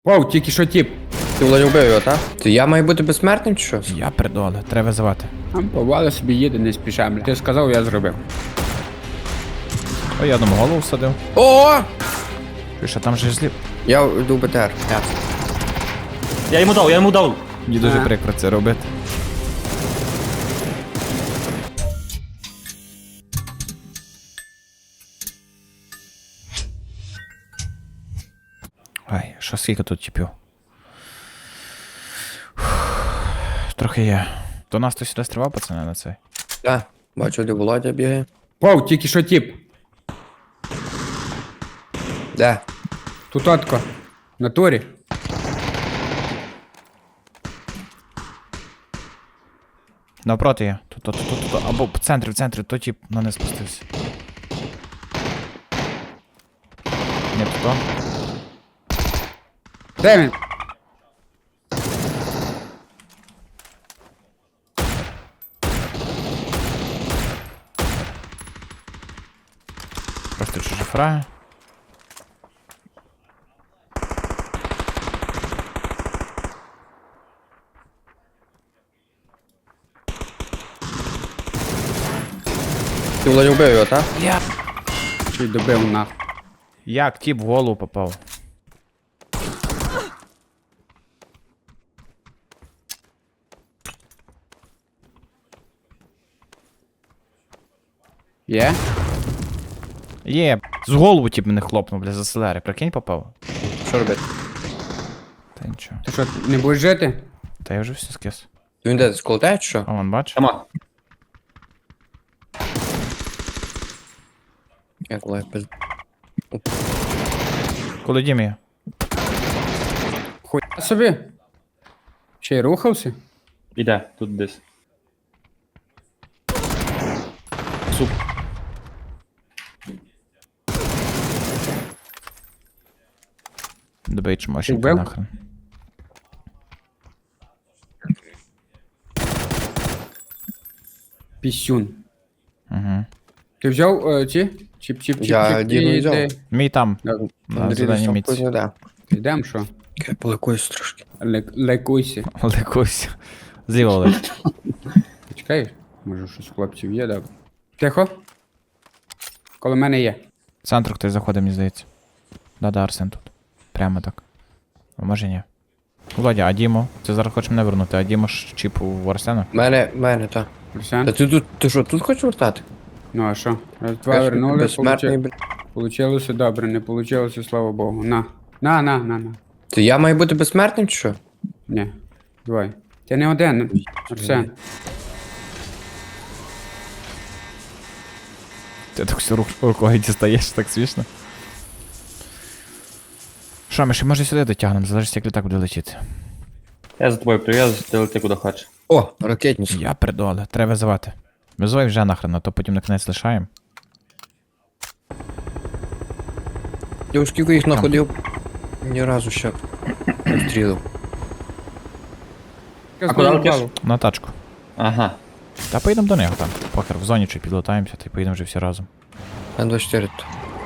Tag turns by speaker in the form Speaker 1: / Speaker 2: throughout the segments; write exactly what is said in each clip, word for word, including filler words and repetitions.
Speaker 1: Вау, тільки що тіп.
Speaker 2: Ти Володя вбив його, так? То я маю бути безсмертним чи що?
Speaker 3: Я придоле, треба визивати.
Speaker 1: Там повали собі їде, не спіша. Бля. Ти сказав, я зробив.
Speaker 3: О, я одному голову всадив.
Speaker 2: О!
Speaker 3: Що там же зліп?
Speaker 2: Я йду в БТР.
Speaker 4: Я йому дав, я йому дав.
Speaker 3: Мені дуже
Speaker 1: А.
Speaker 3: прикро це робити. Ай, що скільки тут тіпів? Трохи є. До нас хтось сюди стрибав, пацани, на цей.
Speaker 2: Так, бачу, де Володя бігає.
Speaker 1: Вау, тільки що тіп.
Speaker 2: Де?
Speaker 1: Тут отко. В натурі.
Speaker 3: Навпроти є. Тут, тут, тут, тут, або в центрі, в центрі, то тіп на не спустився. Ні, тут то.
Speaker 1: Де він?
Speaker 3: Просто чужі фраги.
Speaker 2: Ти Володя вбив його, так?
Speaker 3: Я.
Speaker 1: Чи добив нахуй.
Speaker 3: Як тіп в голову попав?
Speaker 1: Є?
Speaker 3: Є, з голову тіп мене хлопнув, бля, за селери. Прикинь, попав?
Speaker 2: Що робити?
Speaker 3: Та нічого.
Speaker 1: Ти що, не будеш жити?
Speaker 3: Та я вже все скис.
Speaker 2: Він де, сколотає чи що?
Speaker 3: А вон, бач?
Speaker 4: Тама.
Speaker 2: Як Володя без...
Speaker 3: Коли дім є?
Speaker 1: Хуй собі. Ще й рухався?
Speaker 4: Іде, тут десь.
Speaker 3: Добей чмошенька
Speaker 1: Вбив?
Speaker 3: нахрен.
Speaker 1: Пісюн.
Speaker 3: Угу.
Speaker 1: Ти взяв е, ці? Чіп-чіп-чіп.
Speaker 2: Я Діну взяв.
Speaker 3: Мій там.
Speaker 1: Да.
Speaker 3: На зеленій міці.
Speaker 2: де.
Speaker 1: Йдем, що?
Speaker 2: Я поликуюсь трошки.
Speaker 1: Лек- Лекуйся.
Speaker 3: Ликусь. Зліва Олег.
Speaker 1: Почекаєш? Може щось у хлопців є, добре. Тихо. Коло мене є.
Speaker 3: В центр хтось заходить, мені здається. Да-да, Арсен тут. Прямо так. А може ні. Володя, а Дімо? Ти зараз хочеш мене вернути, а Дімо ж чіп в Арсена?
Speaker 2: Мене, мене, так.
Speaker 1: Арсен?
Speaker 2: Та ти тут, ти що, тут хочеш вертати?
Speaker 1: Ну а що? Раз, два
Speaker 2: Кажеш,
Speaker 1: вернули,
Speaker 2: безсмертний,
Speaker 1: получи...
Speaker 2: бля.
Speaker 1: получилося добре, не получилося, слава Богу. На. На, на, на, на.
Speaker 2: То я маю бути безсмертним чи що?
Speaker 1: Ні. Давай. Ти не один, Арсен.
Speaker 3: Ти так всю руку рукою дістаєш, так смішно. Що, ми ще може сюди дотягнемо, залежить, як літак буде летіти.
Speaker 4: Я за тобою прив'язуюсь, ти лети куди хочеш.
Speaker 2: О, ракетниця.
Speaker 3: Я придоле, треба визивати. Визивай вже нахрен, а то потім на кінець лишаємо.
Speaker 2: Я скільки їх находив, ні разу ще не стрілив.
Speaker 4: А куди летиш?
Speaker 3: На тачку.
Speaker 4: Ага.
Speaker 3: Та поїдемо до нього там. Похер, в зоні чи підлетаємося, та й поїдемо вже всі разом.
Speaker 2: Н двадцять чотири тут.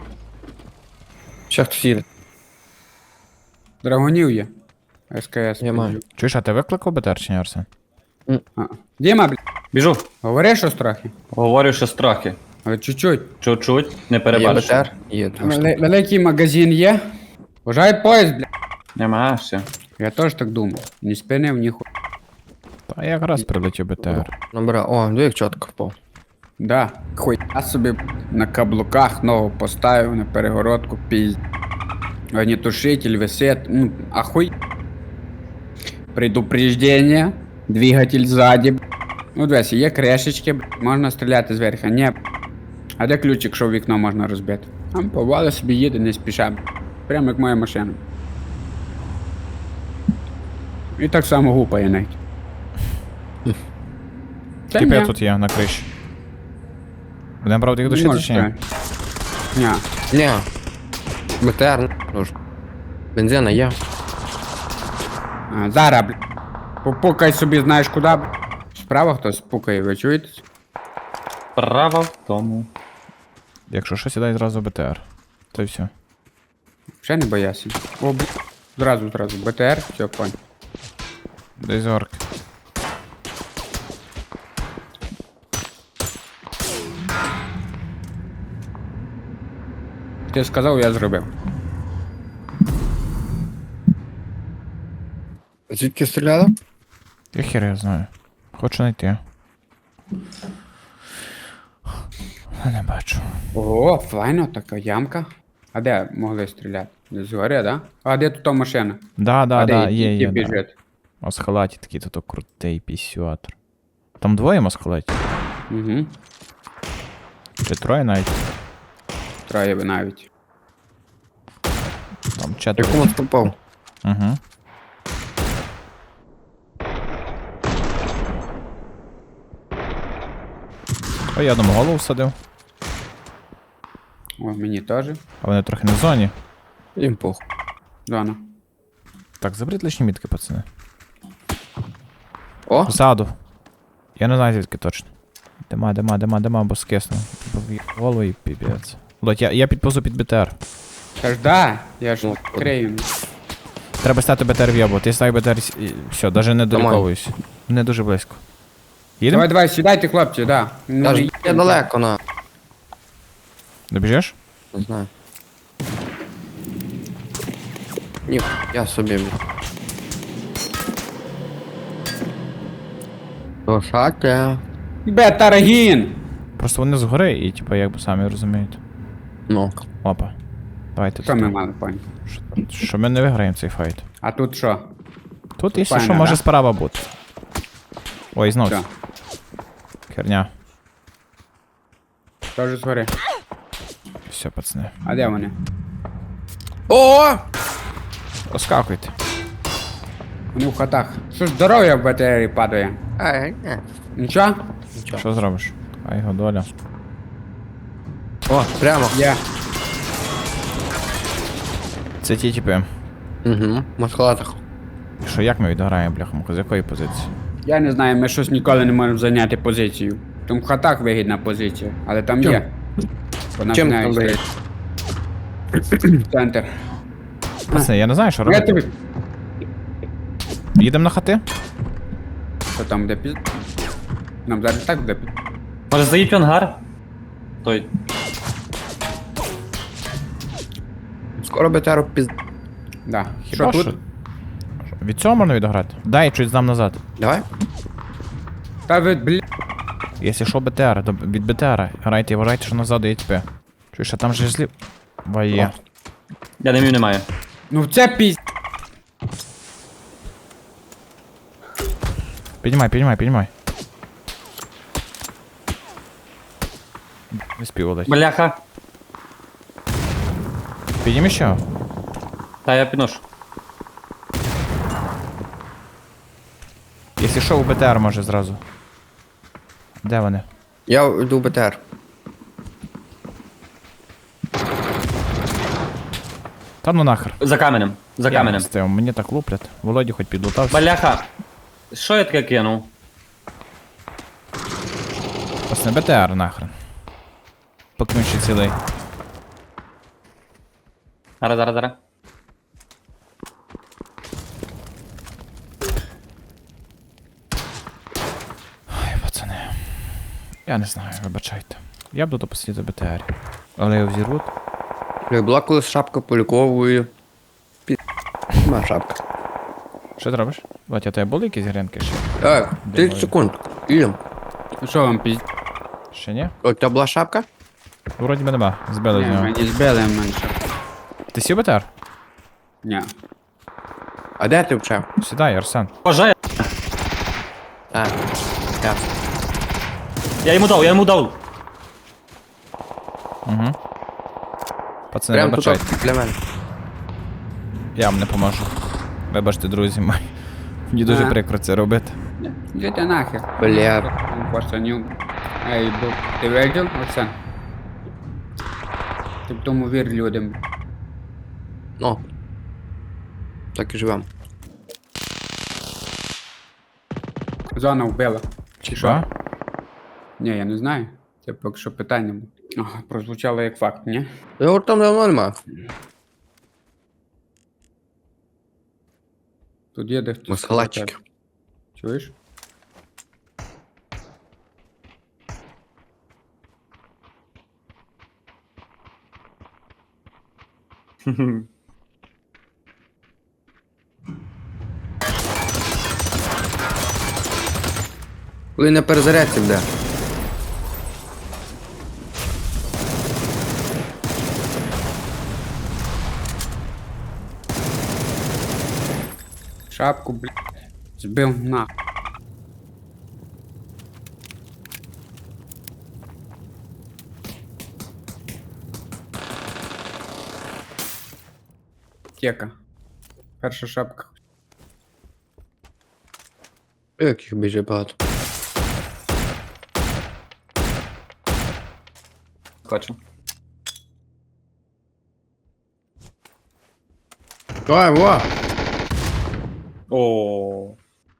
Speaker 2: Ще хтось їде.
Speaker 1: Драгонів є. СКС.
Speaker 2: Я маю.
Speaker 3: Чуєш, а ти викликав БТР чи ні, Арсен?
Speaker 1: А. Діма, блядь,
Speaker 4: Біжу.
Speaker 1: говори щось трохи.
Speaker 4: Говорю, що страхи.
Speaker 1: Але чуть-чуть.
Speaker 4: Чуть-чуть, не
Speaker 2: Є
Speaker 4: перебачиш.
Speaker 2: БТР? Є. два штуки.
Speaker 1: Вели- Великий магазин є. Вважай поїзд, блядь.
Speaker 4: Нема, все.
Speaker 1: Я теж так думав. Ні спинив, ні ху...
Speaker 3: Та якраз прилетів БТР.
Speaker 2: Номера. О, диви, як чітко впав.
Speaker 1: Да. Хуй. Я собі на каблуках ногу поставив на перегородку, пізд. Огнетушитель висит. Ну, ахуй. Предупреждение. Двигатель ззаді. Ну, дивись, є крешечки, можна стріляти зверху. Ні. А де ключик, що в вікно можна розбити? Там повали собі їде, не спіша. Прямо як моя машина. І так само гупає навіть. Та
Speaker 3: Типу я
Speaker 1: ні.
Speaker 3: тут є на криші. Будемо правда їх
Speaker 1: Не
Speaker 3: душити
Speaker 1: можеш
Speaker 3: чи ні?
Speaker 1: так. Ні.
Speaker 2: Ні. БТР, нужно. Бензина є.
Speaker 1: А, зараз, бля. Попукай собі, знаєш куди, бля. Справа хтось пукає, ви чуєте?
Speaker 4: Право в тому.
Speaker 3: Якщо що, сідай зразу в БТР. То й все.
Speaker 1: Ще не боявся. О, бля. Зразу, зразу. БТР, все, понял.
Speaker 3: Десь орк.
Speaker 1: Ти сказав, я зробив.
Speaker 2: Звідки стріляли?
Speaker 3: Я хер я знаю. Хочу знайти. Я не бачу.
Speaker 1: О, файно, така ямка. А де могли стріляти? Десь згори, да? А де тут та машина?
Speaker 3: Да, да,
Speaker 1: а
Speaker 3: да,
Speaker 1: де
Speaker 3: є,
Speaker 1: і- і
Speaker 3: є. Да.
Speaker 1: біжить?
Speaker 3: Масхалаті такий тут крутий пісюатор. Там двоє масхалаті?
Speaker 1: Угу.
Speaker 3: Чи троє навіть?
Speaker 1: Троє би навіть.
Speaker 3: Там четверо.
Speaker 2: Якому попав?
Speaker 3: Угу. Ой, я одному голову всадив.
Speaker 1: О, мені теж.
Speaker 3: А вони трохи не в зоні.
Speaker 2: Їм похуй.
Speaker 1: Дона.
Speaker 3: Так, заберіть лишні мітки, пацани.
Speaker 2: О,
Speaker 3: Ззаду. Я не знаю звідки точно. Дима, дима, дима, дима, бо скисну. В голову і піпець. Лодь, я, я підповзу під БТР.
Speaker 1: Та ж да, я ж
Speaker 2: Ну,
Speaker 1: крию.
Speaker 3: Треба стати БТР в'єбувати. Я ставлю БТР і все, навіть не доліковуюсь. Не дуже близько. Їдемо?
Speaker 1: Давай, давай, сідайте, хлопці, да. Ну,
Speaker 2: я ж
Speaker 1: і-
Speaker 2: я далеко, на.
Speaker 3: Добіжиш?
Speaker 2: Не знаю. Ні, я собі. блін. Лошаке.
Speaker 1: Бетаргін!
Speaker 3: Просто вони згори і, типу, якби самі розумієте.
Speaker 2: Ну.
Speaker 3: Опа. Давайте
Speaker 1: Що ми
Speaker 3: тут.
Speaker 1: мали, пані?
Speaker 3: Що, що ми не виграємо цей файт.
Speaker 1: А тут що?
Speaker 3: Тут, якщо
Speaker 1: файно,
Speaker 3: що, може
Speaker 1: да?
Speaker 3: справа бути. Ой, знов.
Speaker 1: Що?
Speaker 3: Херня.
Speaker 1: Теж згори.
Speaker 3: Все, пацани.
Speaker 1: А де вони?
Speaker 2: О!
Speaker 3: Оскакуйте.
Speaker 1: Вони в хатах. Що ж здоров'я в БТРі падає?
Speaker 2: Ай, ні.
Speaker 1: Нічого?
Speaker 3: Що зробиш? А його доля.
Speaker 2: О, прямо.
Speaker 1: Є.
Speaker 3: Це ті типи.
Speaker 2: Угу. В маскалатах.
Speaker 3: Що, як ми відграємо, бляхамку? З якої позиції?
Speaker 1: Я не знаю, ми щось ніколи не можемо зайняти позицію. Там в хатах вигідна позиція, але там
Speaker 2: Чим?
Speaker 1: є. Вона
Speaker 2: Чим
Speaker 1: навіть
Speaker 2: там
Speaker 1: стоїть. Центр.
Speaker 3: Пацани, я не знаю, що
Speaker 1: Я
Speaker 3: робити.
Speaker 1: тобі.
Speaker 3: Їдемо на хати?
Speaker 1: Що там буде піз... Нам зараз так буде піз...
Speaker 4: Може заїдь в ангар? Той.
Speaker 2: Скоро БТР піз...
Speaker 1: Да. Що
Speaker 3: Хіба
Speaker 1: тут?
Speaker 3: що? Від цього можна відграти? Дай чуть здам назад.
Speaker 2: Давай.
Speaker 1: Та ви, блін.
Speaker 3: Якщо що БТР, то від БТР грайте і вважайте, що назад є ТП. Чуєш, а там же злів. Ває.
Speaker 4: Я димів не маю.
Speaker 1: Ну це піз...
Speaker 3: Піднімай, піднімай, піднімай. Не спів дати.
Speaker 4: Бляха.
Speaker 3: Підніми ще.
Speaker 4: Та я підношу.
Speaker 3: Якщо що, у БТР може зразу. Де вони?
Speaker 2: Я йду в БТР.
Speaker 3: Та ну нахер.
Speaker 4: За каменем. За
Speaker 3: Я
Speaker 4: каменем.
Speaker 3: не стив, мені так луплять. Володі хоч підлутався.
Speaker 4: Бляха. Що я таке кинув?
Speaker 3: Пасне БТР нахрен. Поки він ще цілий.
Speaker 4: Зараз, зараз, зараз.
Speaker 3: Ай, пацани. Я не знаю, вибачайте. Я буду посидіти БТР. Але його взірвуть.
Speaker 2: Як була колись шапка поліковою. Пі... Ма шапка.
Speaker 3: Що ти робиш? Батя, у тебе були якісь гринки ще?
Speaker 2: Так, тридцять секунд. Ідем.
Speaker 1: Ну що вам піз...
Speaker 3: Ще ні?
Speaker 2: У тебе була шапка?
Speaker 3: Вроді би нема. Збили з
Speaker 1: Ні,
Speaker 3: нього.
Speaker 1: мені збили менше.
Speaker 3: Ти сів БТР?
Speaker 1: Ні.
Speaker 2: А де ти вчав?
Speaker 3: Сідай, Арсен.
Speaker 4: Боже,
Speaker 2: А, так.
Speaker 4: я йому дав, я йому дав.
Speaker 3: Угу. Пацани,
Speaker 2: Прям тут
Speaker 3: вибачайте.
Speaker 2: для мене.
Speaker 3: Я вам не поможу. Вибачте, друзі мої. Мені дуже
Speaker 1: Ага.
Speaker 3: прикро це робити.
Speaker 1: Йдете нахер.
Speaker 2: Бля.
Speaker 1: Пацаню. Ей, бо... Ти видів, Оксан? Ти в тому вір людям.
Speaker 2: Ну. Так і живем.
Speaker 1: Зона вбила.
Speaker 3: Чи що?
Speaker 1: Ні, я не знаю. Це поки що питання було. Ага, прозвучало як факт, ні?
Speaker 2: Його там давно нема.
Speaker 1: Тут є де хтось.
Speaker 2: Масхалатчики.
Speaker 1: Чуєш?
Speaker 2: Коли не перезарядці буде.
Speaker 1: Шапку, блядь. Збив на. Тека. Перша шапка.
Speaker 2: Як їх біжить багато.
Speaker 4: Хочу.
Speaker 2: Ой, во!
Speaker 4: О.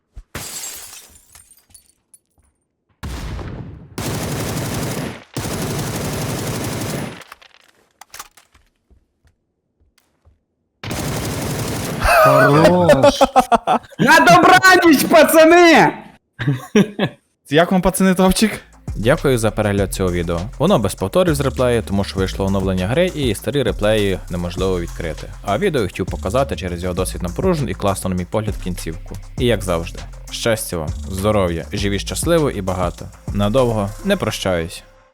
Speaker 1: Хорош! На добраніч, пацани!
Speaker 3: Як вам, пацани, топчик? Дякую за перегляд цього відео. Воно без повторів з реплею, тому що вийшло оновлення гри і старі реплеї неможливо відкрити. А відео я хотів показати через його досить напружену і класну, на мій погляд, кінцівку. І як завжди, щастя вам, здоров'я, живі щасливо і багато. Надовго не прощаюсь.